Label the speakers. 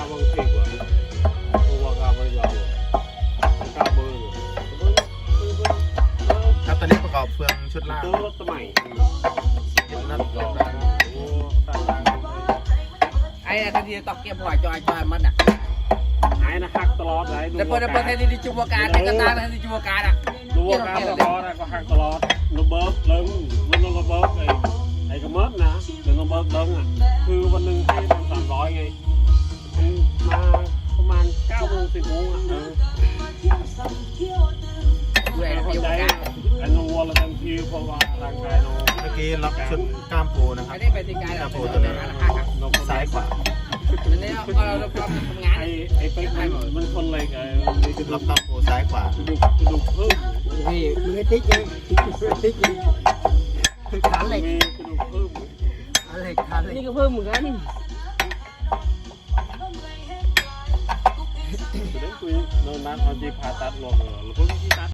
Speaker 1: บางทีกว่าตัวกาบริยาวกาเบอร์
Speaker 2: ครับตอนนี้ประกอบเฟืองชุดล่าง
Speaker 1: ตัวรถสมัย
Speaker 2: ยึดนัดรอบ
Speaker 1: โอ้ตาลัง
Speaker 3: ไอ้ทันทีตอกเก็บหัวจอยมันอ่ะ
Speaker 1: หายนะหักตลอดเลย
Speaker 3: แต่เปิดแทนที่จูบการแต่ก็ตาแทนที่จูบการอ่ะ
Speaker 1: ดูว่าการตลอดก็หักตลอดระเบิดเลิงมันระเบิดไอ้กระเมิดนะเดี๋ยวระเบิดเลิงอ่ะคือวันหนึ่งให้ทำ300ไงมาประมาณ9 โมง 10 โมงอ่ะ
Speaker 3: เว้ย
Speaker 1: เข้า
Speaker 3: จูบ
Speaker 1: ใจ
Speaker 3: การ
Speaker 1: ไอ้นวัวละทันทีเพราะว่าร่างกายเรา
Speaker 2: เมื่อกี้ล็อกชุดกล้ามปูนะครั
Speaker 3: ไม่
Speaker 2: บ
Speaker 3: ได้ไปที่การ
Speaker 2: กล้ามปู
Speaker 3: ตั
Speaker 2: ตัว ว
Speaker 3: นี้
Speaker 2: นี้ซ้ายขวา
Speaker 3: มันเนี่ยเราทำงาน
Speaker 1: ไอ้เป๊กมันคนอะไรกัน
Speaker 2: ล็อกกล้ามปูซ้ายขวาก
Speaker 1: ระดูกเพิ่ม
Speaker 4: นี่มือติ๊กเลยติ๊กเลยขาเหล็ก
Speaker 1: มีกระดูกเพิ่ม
Speaker 4: ขาเหล็กขาเหล็ก
Speaker 5: นี่ก็เพิ่มเหมือนกัน
Speaker 1: จะได้คุยโน่นนั้นเอาจีผ่าตัดลงแล้วเพิ่งที่ตัด